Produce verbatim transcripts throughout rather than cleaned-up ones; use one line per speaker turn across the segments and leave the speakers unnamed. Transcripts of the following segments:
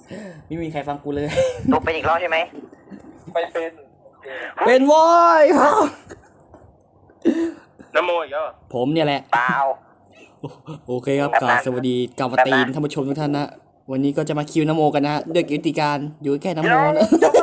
ไม่มีใครฟังกูเลย
ตกเป็นอีกรอบใช่ไหม
ไม่เป็น
เป็นวอยครับ
น้ำโมอีกแล้ว
ผมเนี่ยแหละ
เปล่า
โอเคครับกราบสวัสดีกราบตีนท่านผู้ชมทุกท่านนะวันนี้ก็จะมาคิวนโมกันนะด้วยกิจการอยู่แค่นโมนะ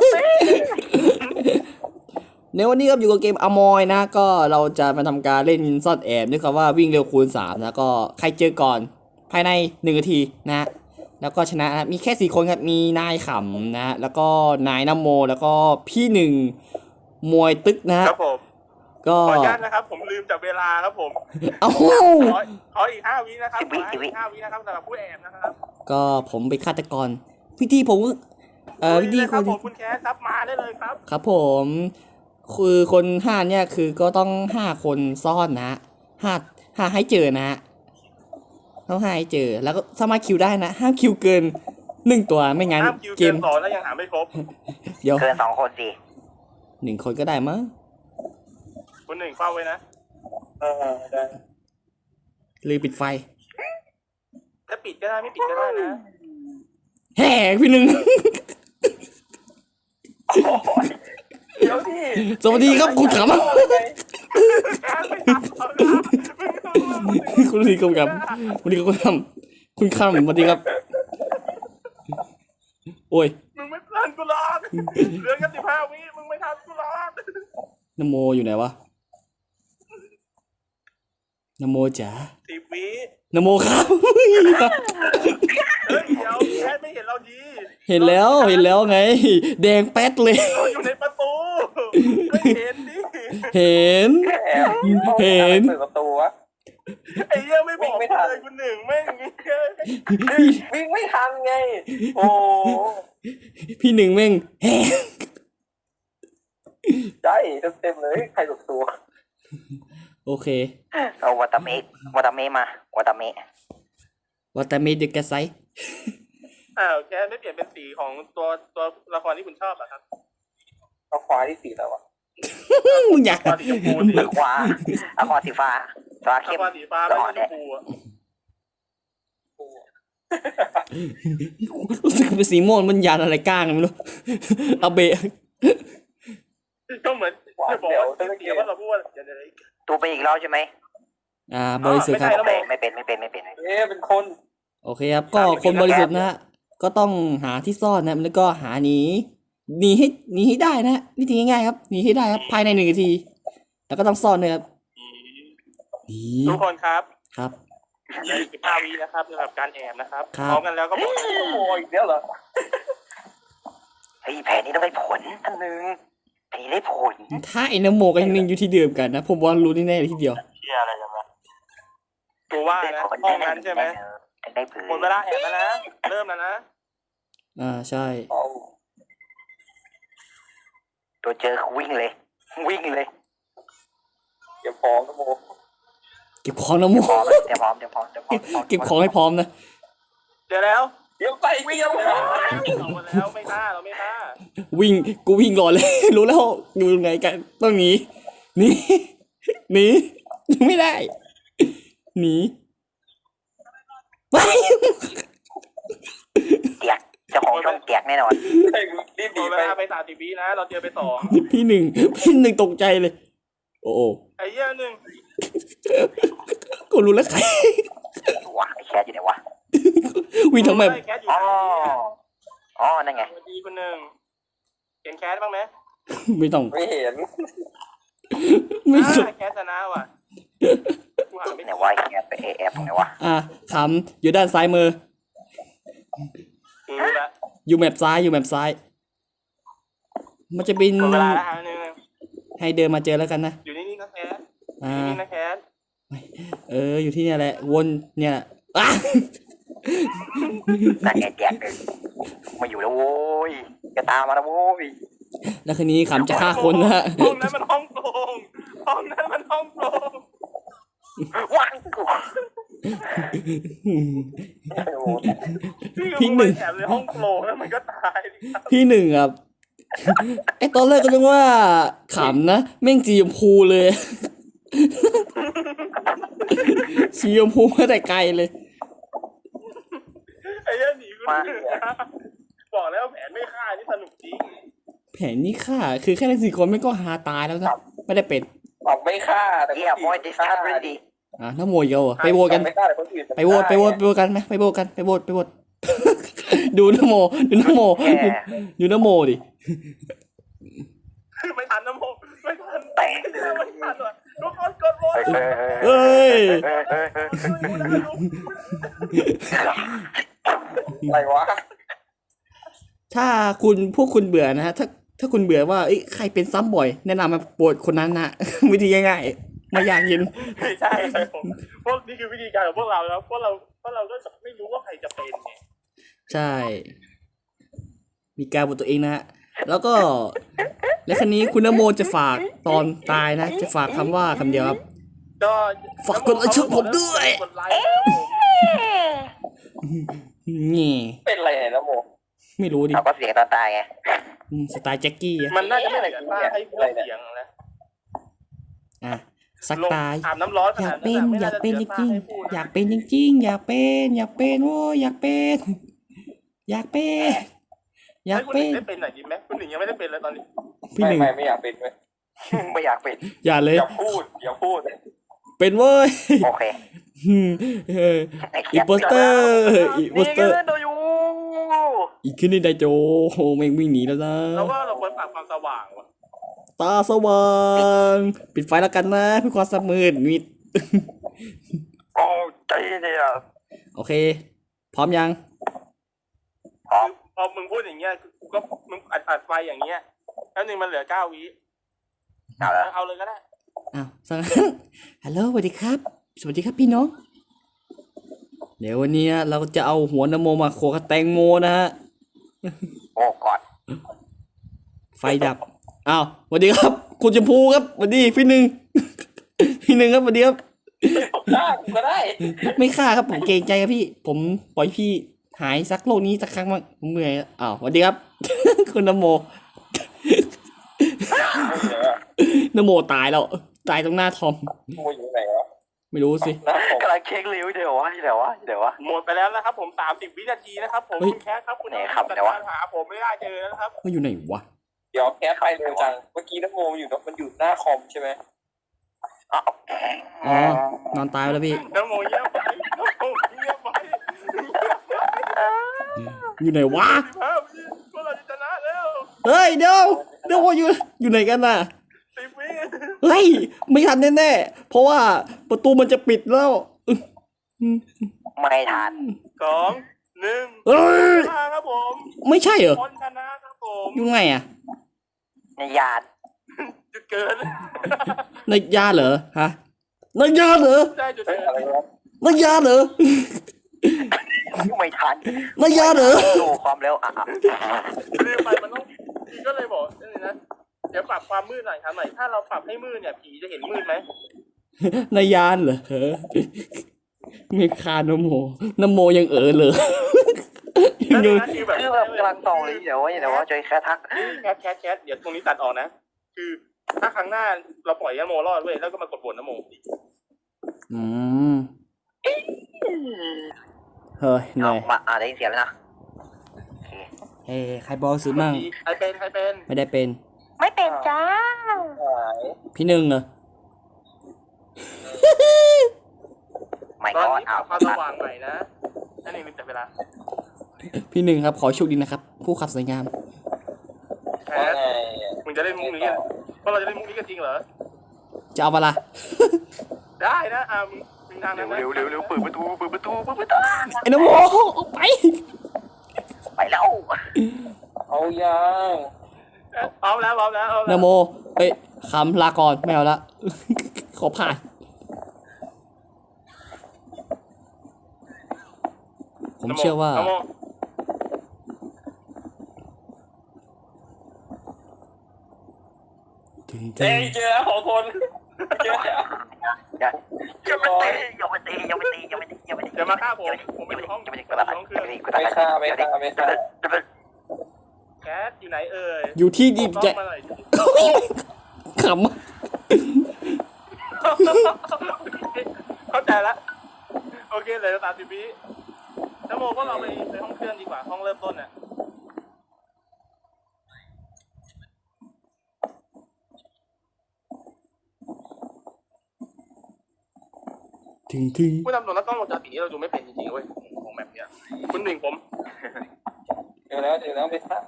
ในวันนี้ครับอยู่กับเกมอมอยนะก็เราจะมาทำการเล่นซ่อนแอบด้วยคำว่าวิ่งเร็วคูณสามนะก็ใครเจอก่อนภายในหนึ่งนาทีนะแล้วก็ชนะนะมีแค่สี่คนครับมีนายขำนะแล้วก็นายนโมแล้วก็พี่หนึ่งมวยตึกนะครับ
ผม
ก็
ขออนุญาตนะครับผมลืมจับเวลาครับผม
เอ้า
ขอขออีกห้าวินะครับขออีกห้าวินะครับสำหรับผู้แอบนะครับ
ก็ผมเป็นฆาตกรพี่ที่ผมเอ่อพี่ที่คน
คุณแคสครับมาได้เลยครับ
ครับผมคือคนห้าเนี่ยคือก็ต้องห้าคนซ่อนนะห้าห้าให้เจอนะต้องห้าให้เจอแล้วก็สามารถคิวได้นะห้ามคิวเกินหนึ่งตัวไม่งั้น
เกมสองแล้วยังหาไม่ครบ
เดี๋ยว
เกินสองคนสิ
หนึ่งคนก็ได้มั้ง
คุณหนึ่งเฝ้าไว้นะเออได้
ลืมปิดไฟ
ถ้าปิดก็ได้ไม่ปิดก็ได้นะ
แห่พี่หนึ่ง
เดี๋ยวดิ
สวัสดีครับคุณขำคุณดีคุณขำคุณดีคุณขำคุณขำสวัสดีครับโอ้ย
มึงไม่ทันกูหรอกเรื่องกันสิบห้าวิมึงไม่ทันกูหรอก
นโมอยู่ไหนวะนโมจ๋า
สิบวิ
นโมครับ
เฮ้ยเดี๋ยวแค่ไม่เห็นเราดี
เห็นแล้วเห็นแล้วไงแดงแป๊ดเลย
อยู่ในประตูไม่เห็นดิ
เห็นเห็น
เปิดประตูวะไอ้เหี้ยไม่บอกเลยคุณหนึ่งแม่งวิ่งไม่ทันไงโอ้
พี่หนึ่งแม่งแฮ่
ใช่เต็มเลยใครหลบตัว
โอเค
เอาวัตเมะวัตเมะมาวัตเมะ
วัตเมะดึกกระไซ
อ้าวแค่ไม่เปลี่ยนเป็นสีของตัวตัวละครที่คุณชอบอะครับเอาควายที่สีแล้วอะ
มึงอยาก
สีชมพูสี
ขวาเอาควาสีฟ้าฟ้าเข้ม
สีฟ้าไม่ชมพูอะ
รู้สึกเป็นสีม่วงมันยานอะไรก้างไม่รู้เอาเบะ
ก็เหมือนจะบอกว่าเสียว่าเราพูดว่าอะไร
ตัวไปอีกรอบใช่ไหม
อ่าบริสุทธิ์ครับ
ไม่เป็นไม่เป็นไม่เป็น
เอ๊ะเป็นคน
โอเคครับก็คนบริสุทธิ์นะก็ต้องหาที่ซ่อนนะแล้วก็หาหนีหนีให้หนีให้ได้นะวิธีง่ายๆครับหนีให้ได้ครับภายในหนึ่งนาทีแล้วก็ต้องซ่อนเลยครับ
ทุกคนครับ
ครับ
ยี่สิบห้าวินะครับสำหรับการแอบนะครับพร้อมกันแล้วก็บอกโอ้ยอีกแล้วเหรอ
เฮ้ยแผนนี้ต้องได้ผลท่านหนึ่งแผนนี้ได้ผล
ถ้าไอ้น้ำโมกับยังนึงอยู่ที่เดิมกันนะผมว่ารู้แน่ๆทีเดียว
เชี่ยอะไรกันวะตัวว่านะห้องนั้นใช่ไหมหมดเวลาแอบแล้วนะเริ่มแล้วนะ
อ่าใช่
ตัวเจอวิ่งเลยวิ่งเลย
เก็บของนะโม
เก็บของนะโม
เดี๋ยวพร้อมเดี๋ยวพร้อมเดี๋ยวพร้อม
เก็บของให้พร้อมนะ
เดี๋ยวแล้วเดี๋ยวไปวิ่งแล้วแล้วไม่ฆ่าเราไม่ฆ่า
วิ่งกูวิ่งก่อนเลยรู้แล้วอยู่ไหนกันต้องหนีหนีหนีไม่ได้หนีไป
เตียกเจ้าของช่องเตียกแน่นอน
รีบหนีไปไปสามสิบวินะเราเจอไปสอง
พี่หนึ่งพี่หนึ่งตกใจเลยโอ้
ไอ้เหี้ยหนึ่ง
กูรู้แล้วใคร
วะไอ้แคทอยู่ไหนวะ
วิ่งทำไม
อ๋ออ๋อนั่นไง
สวัสดีคุณหนึ่งเห็นแคทบ้างไหม
ไม่ต้อง
ไม่เห็น
ไม่
สุดแคทชนะว่ะ
ไหนวะแคทไปเอฟไหนวะ
อ่ะขำอยู่ด้านซ้ายมืออยู่แมปซ้ายอยู่แมปซ้ายมันจะเป็นให้เดินมาเจอแล้วกันนะ
อยู่นี่นี่นะแคทอ่านี่นะแคท
เอออยู่ที่เนี่ยแหละวนเนี่ยอ่ะ
นั่นไงแจกเลยมาอยู่แล้วโว้ยจะตามมาแล้วโว้ย
แล้วคืนนี้ขำจะฆ่าคนนะ
ห้องนั้นมันห้องโปร่งห้องนั้นมันห้องโปร่ง
วางกู
พี่หนึ่ง
แอบในห้องโปร่งแล้วมันก็ตาย
พี่หนึ่งครับไอตอนแรกก็นึกว่าขำนะแม่งจีมพูเลยชีมพูมาแต่ไกลเลย
ไอ้เหี้ยหนีกูไม่ฆ่านี่สนุกจริง
แผนนี้ค่ะ คือแค่เล่นสี่คนไม่ก็หาตายแล้วนะไม่ได้เป็น
ปรับไม่ฆ่าแต่
เฮียบอยดิสคัทเรดี
อ่ะน้าโมยเยอะไปโหวตกัน
ไม่ฆ่าแต่คนอื่น
ไปโหวตไปโหวตไปโหวตกันไหมไปโหวตกันไปโหวตไปโหวต ดูน้าโมดูน้าโมดูน้าโมดิ
ไม่ทันนะโมไม่ทัน
เตะ
ไม่ทันว่ะทุกคนกดโหวต
เฮ้ย
เอ้ย
เฮ้ยเฮ้ยเฮ้ย
อะไรวะ
ถ้าคุณพวกคุณเบื่อนะฮะถ้าถ้าคุณเบื่อว่าเอ้ยใครเป็นซ้ำบ่อย แนะนำมาโปรดคนนั้นนะ วิธีง่ายๆไม่ยากเย็น
ไม่ใช่ครับผมพวกนี่คือวิธีการของพวกเราแล้วพวกเราพวกเราก็ไม่รู้ว่าใครจะเป็นไง
ใช่ มีการบทตัวเองนะฮะแล้วก็ และครั้นี้คุณนโมจะฝากตอนตายนะ จะฝากคำว่าคำเดียวครับ
ก็
ฝากกดไลค์ช่องผมด้วย
กดไลค์นะครับผม
นี่
เป็นอะไรเนี่ยนะโม
ไม่รู้ดิ
เขาก็เสียงตอนตายไง
อืมสไตล์แจ็คกี้อะ
มันน่าจะไม่เหมือนป้าให้พูดเสียงนะ
อ่ะสักตาย
อาบน้ำร้อน
อยากเป็นอยากเป็นจริงๆอยากเป็นจริงๆอยากเป็นอยากเป็นโอ้ยอยากเป็น อยากเป็นอยาก
คุณห
เป็
นึ่ง
น
ได้เป็นหน่อยดีไหมคุณหนึ่งยังไม่ได้เป็นเลยตอนนี้
พี่หนึ่ง
ไม่ไม่อยากเป็นเลย
ไม่อยากเป็น
อย่าเลย
อย่าพูดอย่าพูด
เป็นเว้ย
โอเค
อืมเออ
ไอ้
อี
เหี้ย
โปสเตอร์อีโปสเตอร์
โดยู
อีกขึ้นนี่ไดโจโหแม่งวิ่งหนีแล้วนะ
แล้วว่าเราควรปรับความสว่างว่ะ
ตาสว่างปิดไฟแล้วกันนะเพื่อความสมืดมิด
โอ้ใจเนี่ย
โอเค พร้อมยัง
คือพอมึงพูดอย่างเงี้ยกูก็มึงอัดอัดไฟอย่างเงี้ยแล้วหนึ่งมันเหลือเก้าวิ
เอาละ
เอาเลยก็ได้
อ้าวสัง ฮัลโหลสวัสดีครับ สวัสดีครับพี่น้อง เดี๋ยววันนี้เราจะเอาหัวนโมมาโขกกับแตงโมนะฮะ
โอ้กอด
ไฟดับ อ้าวสวัสดีครับ คุณชมพูครับสวัสดีพี่หนึ่ง พี่หนึ่งครับสวัสดีครับ
ฆ่ากูก็ได้
ไม่ฆ่าครับผมเกรงใจครับพี่ ผมปล่อยพี่หายสักโลกนี้สักครั้งมั้งผมเมื่อยแล้วอ้าวสวัสดีครับ คุณนโม นโมตายแล้ว ตายตรงหน้าทอม
โมอยู่ไหนวะ
ไม่รู้สิ
นะผม
กำลังเช็คริ้วเดี๋ยววะเดี๋ยววะเดี๋ยววะ
หมดไปแล้วนะครับผมสามสิบวินาทีนะครับผม
เฮ้ย
คุณแคสครับคุณ
ไหนครับเดี๋ยววะ
หาผมไม่ได้เจอแล้วนะครับ
มันอยู่ไหนวะ
เดี๋ยวแคสไปเร็วจังเมื่อกี้น้ำโมอยู่มันอยู่หน้าคอมใช่ไหม
อ๋อ
อ๋อ นอนตายไปแล้วพี่
น้ำโมเงียบไปน้ำโมเงียบไป
อยู่ไหนวะ
สิบห้าวิพวกเราจะชนะแล้ว
เฮ้ยเดี๋ยวเดี๋ยวอยู่อยู่ไหนกันน่ะ
สิบวิ
เฮ้ยไม่ทันแน่ๆเพราะว่าประตูมันจะปิดแล้วอึ๊ะ
ไม่ทัน
สองหนึ่ง
เอ้ย
ชนะครับผม
ไม่ใช่เหรอ
คนชนะครับผม
อยู่ไงอ่ะ
ในยาน
จุดเกิน
ในยาเหรอฮะในยาเหรอ
ได้จุดเกินอะไรวะ
ในยาเหรอ
ไม่ทัน
ในยาเหรอ
ดูความเร็วอ่ะ
รีบไปมันต้องพี่ก็เลยบอกนี่นะเดี๋ยวปรับความมืดหน่อยครับหน่อยถ้าเราปรับให้มืดเนี่ยผีจะเห็นมืดไหม
ในยานเหรอไม่คานโมนโมยังเออเลย
นั่น
ยัง
นะคือแบบ
คือแบบกำลังตองเลยเดี๋ยววะเดี๋ยววะจอยแค่ทัก
แคทแคทแคทเดี๋ยวตรงนี้ตัดออกนะ คือถ้าครั้งหน้าเราปล่อยยาโมรอดเว้ยแล้วก็มากดบนนะโม
อืมเฮ้ยเหนื่
เอา
อย
มาอ่าได้ยินเสียงแล้วนะ
เฮ้ยใครบอกซื้อมั่ง
ใครเป็นใครเป็น
ไม่ได้เป็น
ไม่เป็นจ้า
พี่หนึ่งเหรอ
ไม่
ตอน
ก็
นี้ป
เอา
รับความสว่างใหม่นะนั่นเองลืมแต่เวลา
พี่หนึ่งครับ ขอโชคดีนะครับ ผู้ขับสวยงาม
แคทมึงจะเล่นมุกนี้กันว่าเราจะเล่นมุกนี้กันจริงเหรอ
จะเอาเวลา
ได้นะอ่ามึงมึงทางนั้นนะ
เร็วเร็วเร็วเปิดประตูเปิดประตูเปิดประตู
ไอ้นโมออกไป
ไปแล้ว
เอายังพร้อมแล้วพร้อมแล้วเอา
น
แล้ว
โมเอ้ยคำลาก่อนไม่เอาละ ขอผ่าน ผมเชื่อว่า
นะโม
ถึงจะ
เอ้ยเจอแล้วสองคนเจอแล้ว
อย่าอย่าไปตีอย่าไปตีอย่าไปตีอย่าไปตีอย่าไปตี
เดี๋ยวมาฆ่าผมผมไปอยู่ห้อง
อย่าไปตี
ผมอยู่ห้องเครื่อง
ไม่ฆ่าไม่ฆ่าไม่ฆ่า
แคทอยู่ไหนเอ่ย
อยู่ที่ดี
บอก
ใจ
มาหน่อย
ข
เข้าใจแล้วโอเคเลยตามสิบวินะโมก็เราไปไปห้องเครื่องดีกว่าห้องเริ่มต้นเนี่ย
ถึงถึง
ผู้นำตัวนักกล้องวงจรปิดนี้เราดูไม่เป็นจริงๆเว้ยของแบบเนี้ยคุณหนึ่งผม
เจอแล้วเจอแล้วไม่ทราบ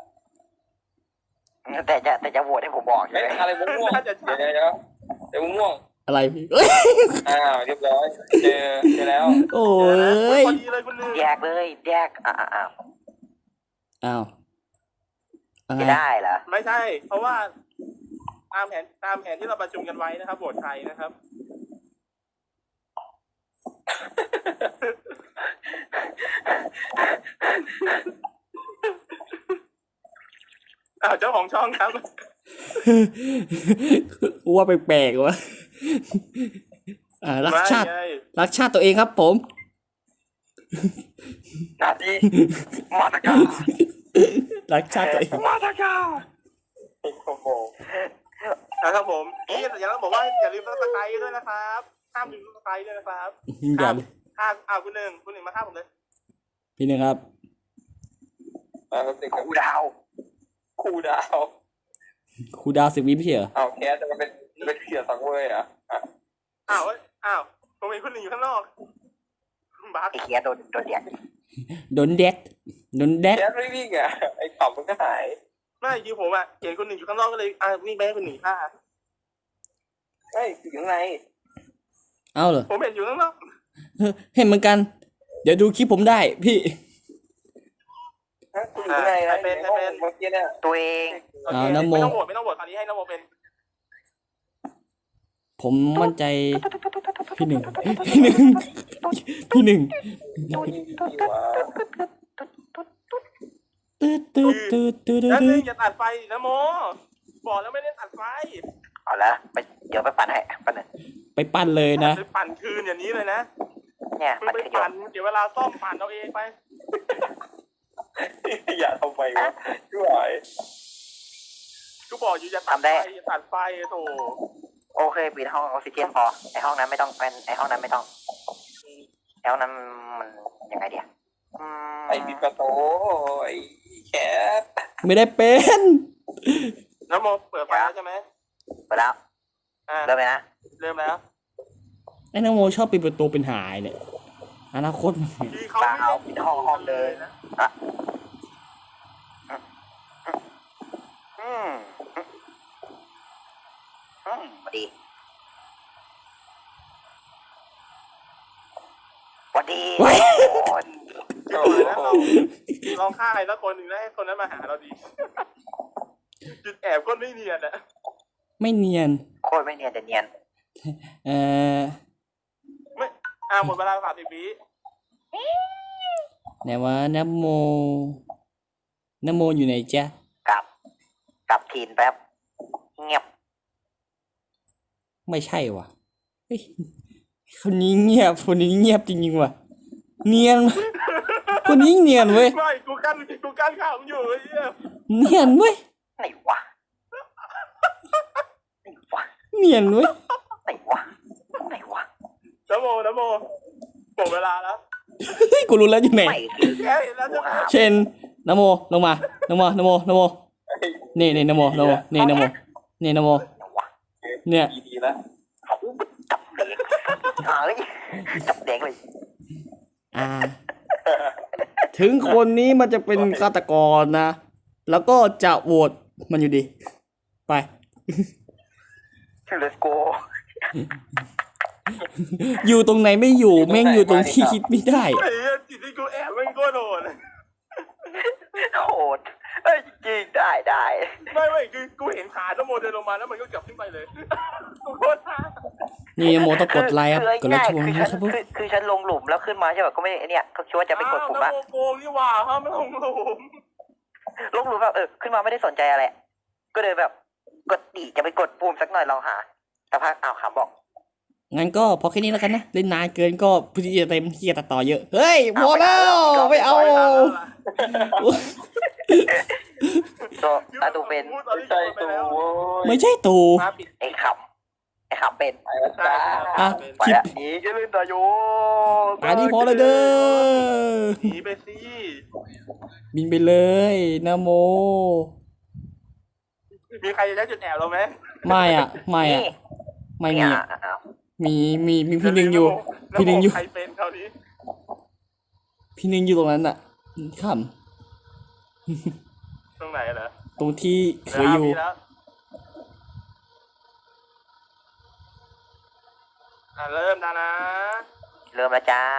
แต่จะแต่จะโหวตให้ผมบอกใช่
เฮ้ย
ไหม
อะไรม่วง
น่าจะ
เดี๋
ใช่
ยวเดี๋ยวเดี๋ยวม่วง
อะไรพี่เอ้ย
อ้าวเรียบร้อยเจอเจอแล้ว
โอ้
เฮ้ย
ย
พอดีเลยคุณหนึ่ง
แยกเลยแยกอ่าอ่า
อ้าวอะไร
ไม่ได้เหรอ
ไม่ใช่ เพราะว่าตามแผนตามแผนที่เราประชุมกันไว้นะครับโหวตใครนะครับอ้าวเจ้าของช่องครับ
กูว่าแปลกๆวะอ่ารักชาติ
ไม่ไง
รักชาติตัวเองครับผม
นาทีมาตะกา
รักชาติตัวเอง
มาตะกา
โอ้โห
นะครับผมนี่แต่ยังต้องบอกว่าอย่าลืมซับสไครต์ด้วยนะครับห้ามลืมซับสไครต์ด้วยนะครับ
อย่า
ห้ามอ้าวคุณหนึ่งคุณหนึ่งมาห้ามผมเลย
พี่หนึ่งครับ
มาแป๊บนึงครับ
คูดาว
ครูดาว
ครูดาวสิบวิไม่ใช่เหรอ
เอาแคสจะมาเป็นเป็นเขียสังเวยอ่ะอ่ะ
อ้าวเอ้ยอ้าวผมเห็นคุณหนึ่งอยู่ข้างนอกบัก
ไอ้เคียโดนโดนเดียด
โดนแดดโดนแดด
แคสไม่วิ่งอ่ะไอ้ขับมันก็หาย
ไม่จริงผมอ่ะเห็นคุณหนึ่งอยู่ข้างนอกก็เลยอ่ะวิ่งไปให้คุณหนึ่งฆ่า
เฮ้ยอยู่ข้างใน
เอาเหรอ
ผมเห็นอยู่ข้างนอก
เห็นเหมือนกัน เดี๋ยวดูคลิปผมได้พี่
ฮะคุณอยู่ข้างในนะในห้องเมื่อกี้เนี่ย
ตัวเอง
โอเค
อ่านะโม
ไม่ต้องโหวตไม่ต้องโหวตคราวนี้ให้นโมเป็น
ผมมั่นใจ พี่หนึ่งพี่หนึ่งพี่หนึ่ง
นี่ดีวะ
ตืดตืดตืดตืด
แล้ว
ตื
นึ
ด
งอย่าตัดไฟนะโมบอกแล้วไม่ได้ตัดไฟ
เอาละไปเดี๋ยวไปปั่นให้ปั่นเลย
ไปปั้นเลยนะ
ไปปั่นคืนอย่างนี้เลยนะ
เนี่ย
มึง
ปั่น
ไป
ขย
ปั่
ม
นเดี๋ยวเวลาซ่อมปั่นเอาเองไป
อย่าทำไมวะช่วย
กูบอกอยู่อย่าตัดไฟอย่าตัดไฟโถ
โอเคปิดห้องออกซิเจนพอไอห้องนั้นไม่ต้องเป็นไอห้องนั้นไม่ต้องไอห้องนั้นมันยังไงเดียวอืม
ไอ้ปิดประตูไอ้แคส
ไม่ได้เป็น
นโมเปิดไฟแล้วใช่ไหม
ไปแล้ว
อ่า
เริ่มเลยนะ
เริ่มแล้ว
ไอ้นโมชอบปิดประตูเป็นหายเนี่ยอนาคตมัน
คือเขาไม่ได้ปิดห้องห้องเลยนะ
อืมอืมดีสวัสดีคน
คือเปิดแล้วเราลองฆ่าใครสักคนหนึ่งแล้วให้คนนั้นมาหาเราดี จุดแอบก็ไม่เนียนอะ
ไม่เนียน
โคตรไม่เนียนแต่เนียน
เอ่อ
ไม่อ่าหมดเวลาสามสิบวิ
ไหนวะนโมนโมอยู่ไหนจ๊ะ
กลับ กลับทีนแป๊บ เงียบ
ไม่ใช่ว่ะเฮ้ยคนนี้เงียบคนนี้เงียบจริงๆว่ะเนียนคนนี้เนียนเว้ย
ไม่กูกั้นกูกั้นข่าวมึงอยู่ไอ้เหี้ย
เนียนเว้ย
ไหนวะไหนวะ
เนียนเว้ย
ไหนวะไหนวะ
นโมนโมหมดเวลาแล้ว
เฮ้ยกูรู้แล้วอยู่ไหน
ไม่คือ
แกเห็นแล้วใช่ไหม
เช่นนโมลงมานโมนโมนโมนี่นี่นโมนโมนี่นโมนี่นโม
ไหนวะ
เนี่ย
ดีดีแล้ว
เขาจับเด็กเฮ้ยจับเด็กเลย
อ่า ถึงคนนี้มันจะเป็นฆาตกรนะ แล้วก็จะโหวตมันอยู่ดี ไป
Let's go
อยู่ตรงไหนไม่อยู่แม่งอยู่ตรงที่คิดไม่ได้
ไอ้เหี้ยจิตที่กูแอบมันก็โดน
โหดเอ้ยจริงได้ได้
ไม่ไม่คือกูเห็นขานโมเดินลงมาแล้วมันก็กลับขึ้นไปเลยกูโคตรท้า
นี่โมต้องกดไลค์ครับกดไลค์ชม
คือ
นะ
ฉั
คน รับผม
คือคือฉันลงหลุมแล้วขึ้นมาใช่ป่ะก็ไม่เนี่ยก็คิดว่าจะไปกดปุ่มละ
อ้าวโมโกงนี่หว่าห้ามไม่ลงหลุม
ลงหลุมแบบเออขึ้นมาไม่ได้สนใจอะไรก็เลยแบบกดดีจะไปกดปุ่มสักหน่อยลองหาแต่พักอ้าวขำบอก
งั้นก็พอแค่นี้แล้วกันนะ เล่นนานเกินก็พื้นที่จะเต็มที่จะตัดต่อเยอะ เฮ้ย พอแล้ว ไม่เอา
ตัวตาตูเป็น
ไม่ใช่ตัวโว้ย
ไม่ใช่ตู
มาปิด
ไอ้ขำไอ้ขำเป็น
ไปแล้ว
ใช่
จ้า
อ่ะ
ไป
คลิป
ละหนีจะลื่นตาโย
อันนี้พอเลยเด้อ
หนีไปสิ
บินไปเลยนะโม
มีใครจะใช้จุดแอบเราไหม
ไม่อ่ะ ไม่อ่ะ
นี่
ไม่มี
เนี่ย
อ่ะ
อ้าว
มีมีมีพี่หนึ่งอยู่ พี่หนึ่งอยู่
ใครเป็นคราวนี้
พี่หนึ่งอยู่ตรงนั้นอ่ะข
ตรงไหนเหรอ
ำตรงที่เคยอยู่
ดี๋วห้าวิแล้วอ่ะเริ่มนะนะ
เริ่มแล้วจ้า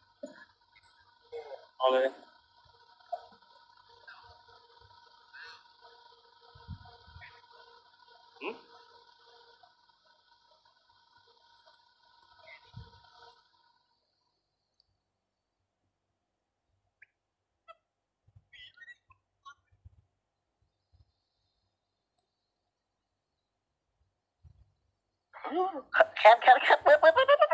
เอาเลย
แคทแคทแคทเปิดเปิดเปิดเปิดเปิด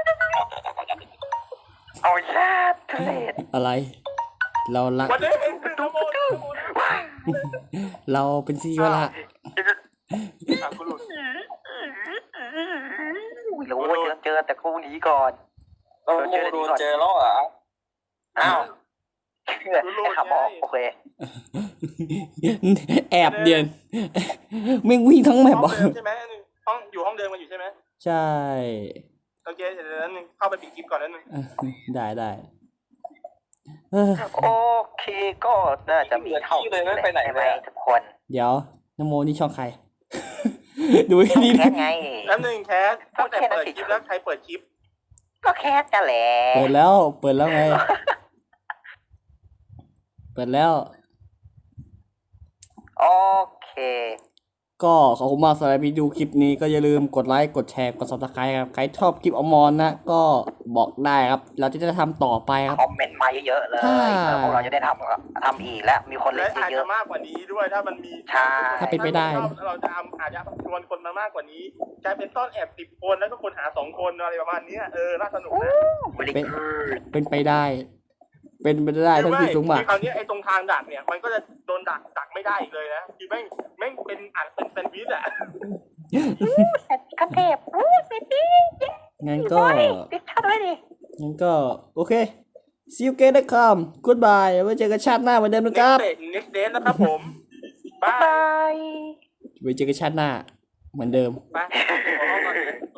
เอาญาติทุเรศ
อะไร เรารัก
วันนี้เองคือขโมย
เราเป็นซีวะละ
ถามคุณหลุด
รู้ว่าเจอเจอแต่กูหนีก่อน
เราโมโดนเจอแล้วเหรอ
อ้าวเชื่อไอ้ขับออกโอเค
แอบเดียนไม่งวิ่งทั้งแม
ห้
ป
อง
อ่ะ
เดิมใช่ไหมอันหนึ่งห้องอยู่ห้องเดิมกันอยู่ใช่ไหม
ใช่
โอเคเดี๋ยวนั้นหนึ่งเข้าไปปิดคลิปก่อนนั้นหนึ่ง
ได้ได้เออ
โอเคก็น่าจะมีเท่าใช่ไหมทุกคน
เดี๋ยวนโมนี่ช่องใคร ดูให้ดี
แค
นะ
ทไง
แล้วหนึ่งแคสตั้งแต่เปิดคลิปแล้วใครเปิดคลิป
ก็แคทนั่นแหละ
เปิดแล้ว เปิดแล้วไง เปิดแล้ว
โอเค
ก็ขอบคุณมากสำหรับที่ดูคลิปนี้ก็อย่าลืมกดไลค์ กดแชร์ กด ซับสไครบ์ ครับ ใครชอบคลิปอมรนะ ก็บอกได้ครับ เราจะได้ทำต่อไปครับ
คอมเมนต์มาเยอะๆเลย
ถ้า
แล้วพวกเราจะได้ทำทำอีกแล้วมีคน
และ
เล่น
อาจ
เย
จะ
อะ
มากกว่านี้ด้วยถ้ามันมี
ใช่
ถ้าเป็นไปได้นะ
เราจะอาจจะชวนคนมามากกว่านี้กลายเป็นต้อนแอบสิบคนแล้วก็คนหาสองคนอะไรประมาณนี้เออน่าสนุกนะ
ๆไม่ได้
เป็น
คือ
เป็นไปได้ เป็นไปได้
คือ
ทั้ง
ไม่
สี่สูงมาก
คือคราวนี้ไอ้ตรงทางดักเนี่ยมันก็จะโดนดักดักไม่ได้อีกเลยนะคือแม่งแม่งเป็นอัดเป็นแซนด์วิชอะ
กระเทพอู้สิพี่
งั้นก็
ติดชัดเลยดิ
งั้นก็ โอเค see you again นะครับ goodbye ไว้เจอกันชาติหน้าเหมือนเดิมนะครับ
เน็กเดทเน็กเดทนะครับผมบา
บาย ย
ไว้เจอกันชาติหน้าเหมือนเดิม
ไปขอห้องก่อน